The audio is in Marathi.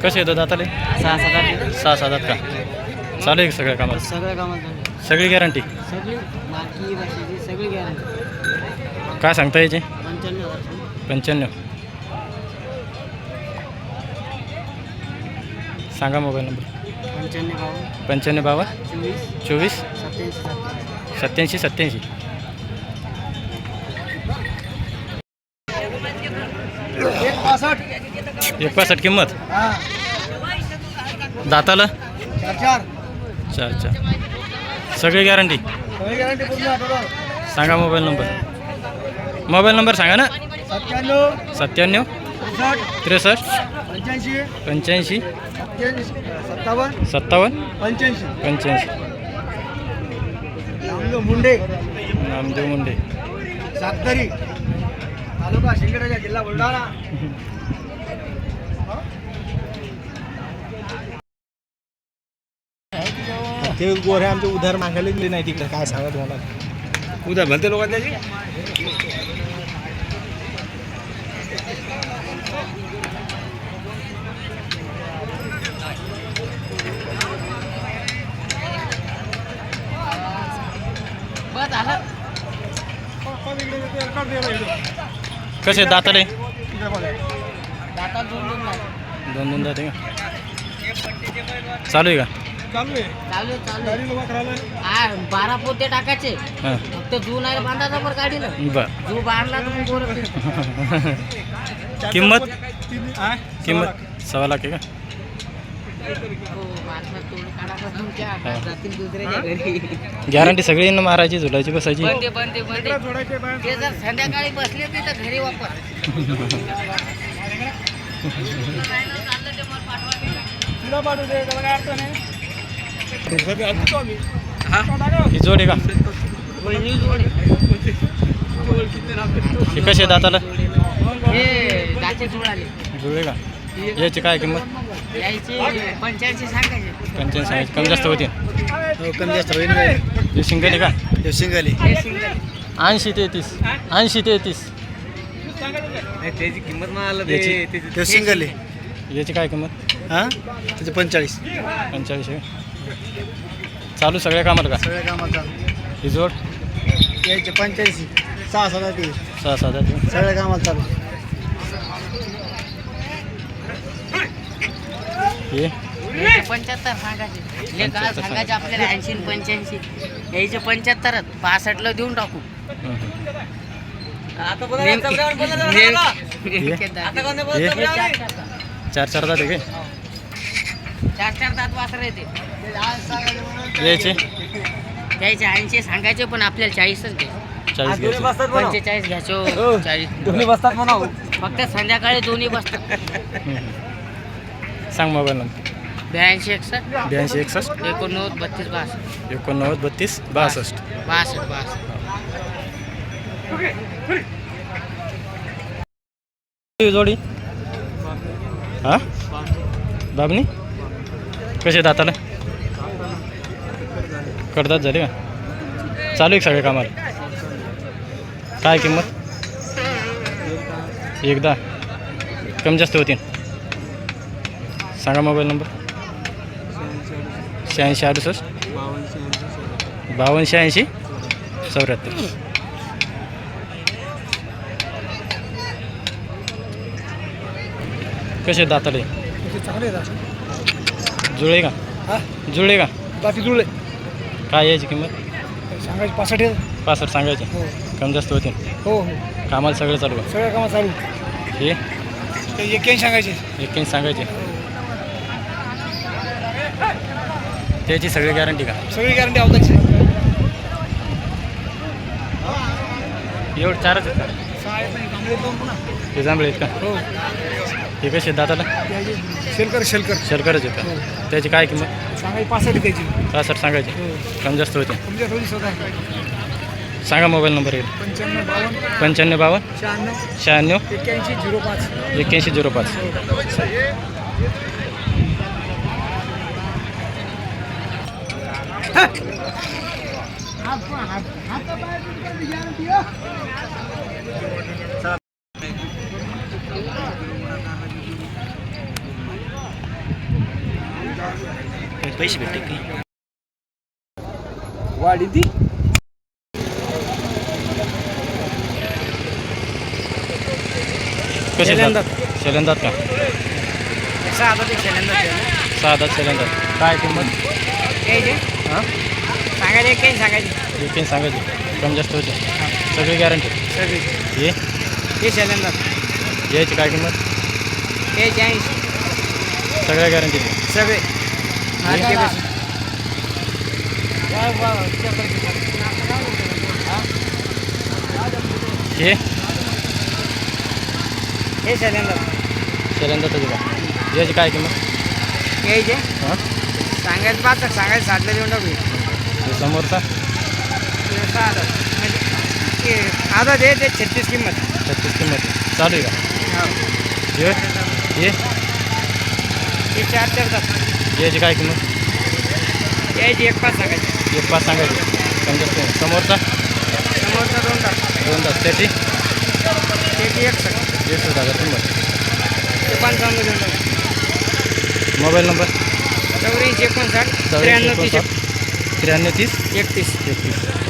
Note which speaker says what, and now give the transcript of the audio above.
Speaker 1: कसे येतो दाताले? 6-7 का? चालू आहे सगळ्या कामात?
Speaker 2: सगळ्या कामात
Speaker 1: सगळी गॅरंटी?
Speaker 2: सगळी मालकी भाषेची सगळी गॅरंटी.
Speaker 1: काय सांगता याचे?
Speaker 2: 95,000.
Speaker 1: 95. सांगा मोबाईल नंबर.
Speaker 2: 95
Speaker 1: 52
Speaker 2: 24
Speaker 1: 24
Speaker 2: 87
Speaker 1: 87. एक 65 किंमत. दाताला? 4. सगळी गॅरंटी? सांगा मोबाईल नंबर सांगा ना. 97 63 85 57 85. नामदेव मुंडे
Speaker 2: सातरी तालुका शिंदखेडा जिल्हा बुलढाणा.
Speaker 3: ते गोरे आमचे उधार मागायला दिले नाही तिकडे. काय सांगा तुम्हाला, उधार भलते लोक त्याची.
Speaker 1: कसे दाताले?
Speaker 2: दाता दोन
Speaker 1: दाते का? चालू आहे का?
Speaker 2: चालू 12 पोते टाकायचे.
Speaker 1: हां
Speaker 2: फक्त जू नाही बांधायचा पर गाडीला.
Speaker 1: बर.
Speaker 2: जू बांधला तर मग गोरं
Speaker 1: किंमत 1.25 लाख आहे का?
Speaker 2: जातील दुसऱ्याच्या घरी.
Speaker 1: गॅरंटी सगळी ना मारायची, झुलायची, बसायची?
Speaker 2: बंदे ते जर संध्याकाळी बसले तर घरी वापर.
Speaker 1: ही जोड आहे का? हे कसे दाताला?
Speaker 2: हे दाचे जुळाले.
Speaker 1: जुळे का? याची काय किंमत?
Speaker 2: यायची 85 सांगायचे.
Speaker 1: 85 सांगायची. कमी जास्त होती?
Speaker 3: कमी जास्त होईल.
Speaker 1: हे सिंगल आहे का?
Speaker 3: शिंगाली
Speaker 2: हे सिंगल
Speaker 1: 80 33.
Speaker 3: त्याची किंमत
Speaker 1: याची?
Speaker 3: शिंगाली
Speaker 1: याची काय किंमत?
Speaker 3: हां त्याचे 45.
Speaker 1: 45 आहे. चालू सगळ्या कामाला का?
Speaker 3: सगळ्या कामाचा
Speaker 1: ही जोड?
Speaker 3: यायचे 85 6-7 ते
Speaker 1: 6-7.
Speaker 3: सगळ्या कामाला चालू.
Speaker 1: हे
Speaker 2: 75 सांगायचे. ले काय सांगायचे आपल्याला 80 85. यायचे 75 65ला देऊन टाकू. आता
Speaker 1: चार दात आहे काय?
Speaker 2: 4 दात वासर येते.
Speaker 1: यायचे?
Speaker 2: त्याचे 80 सांगायचे पण आपल्याला 40च घ्यायचे.
Speaker 1: 40 घ्यायचे.
Speaker 2: 45 घ्यायचो. 40
Speaker 3: दोन्ही बसतात म्हणा.
Speaker 2: फक्त संध्याकाळी दोन्ही बसतात.
Speaker 1: सांग मोबाईल नंबर.
Speaker 2: 82 61
Speaker 1: 82 61
Speaker 2: 89 32 62.
Speaker 1: 89 32 62. जोडी? हा बाबनी कसे दाताला? कडदात झाले का? चालू आहे सगळ्या कामाला? काय किंमत? 1.10. कमी जास्त होतील? सांगा मोबाईल नंबर. 86 68 52 80 74. कसे दाताले?
Speaker 3: चांगले
Speaker 1: जुळे का? जुळे का?
Speaker 3: बाकी जुळले.
Speaker 1: काय यायची किंमत?
Speaker 3: सांगायचे 65.
Speaker 1: 65 सांगायचे.
Speaker 3: हो
Speaker 1: कमी जास्त होतील?
Speaker 3: हो
Speaker 1: कामाला सगळं चालू आहे?
Speaker 3: सगळ्या कामात चालू.
Speaker 1: हे
Speaker 3: 81 सांगायचे.
Speaker 1: 81 सांगायचे. त्याची सगळी गॅरंटी का?
Speaker 3: सगळी गॅरंटी आवताची.
Speaker 1: एवढं 4च आहेत का? हे जांभळे आहेत का?
Speaker 3: हो
Speaker 1: हे कसे दाताला?
Speaker 3: शेलकर
Speaker 1: शर्करच आहेत का? त्याची काय किंमत?
Speaker 3: सांगायची 65 त्याची.
Speaker 1: 65 सांगायचे. कमी जास्त होते?
Speaker 3: तुमच्या थोडी स्वतः
Speaker 1: सांगा मोबाईल नंबर येईल.
Speaker 3: 55 52
Speaker 1: 95
Speaker 3: 96
Speaker 1: 96
Speaker 3: 81 05.
Speaker 1: 81 05.
Speaker 3: पैसे भेटते की
Speaker 4: वाढी ती
Speaker 1: कसे
Speaker 4: शेलंदात.
Speaker 1: शेलंदात का
Speaker 4: साधा ते शेलंदात
Speaker 1: 6 दात शेलंदात काय किंमत हां
Speaker 4: सांगायचे काही सांगायचे
Speaker 1: एकूण सांगायची कमी जास्त होते सगळी गॅरंटी
Speaker 4: सगळी
Speaker 1: ये
Speaker 4: हे शेलंदात
Speaker 1: यायची काय किंमत
Speaker 4: हे 80
Speaker 1: सगळ्या गॅरंटी
Speaker 4: सगळे
Speaker 1: हे
Speaker 4: हे शेलंदात
Speaker 1: शेलंदाताची का याची काय किंमत
Speaker 4: घ्यायचे
Speaker 1: हां
Speaker 4: सांगायचं 5 सांगायचं 7ला देऊन टाकू
Speaker 1: हे समोरचा
Speaker 4: आता ते 36 किंमत
Speaker 1: 36 किंमत चालू आहे का ये ये
Speaker 4: हे 4 तास
Speaker 1: याची काय किंमत
Speaker 4: यायची 1-5 सांगायची
Speaker 1: 1-5 सांगायची कमी जास्त नाही. समोरचा
Speaker 4: समोरचा 2 तास
Speaker 1: 2 तास त्याची
Speaker 4: त्याची 1 सांग
Speaker 1: 60,000 किंमत
Speaker 4: ते 55 देऊन टाकू
Speaker 1: मोबाईल नंबर
Speaker 4: 84 59 93 30
Speaker 1: 93 30
Speaker 4: 31
Speaker 1: 31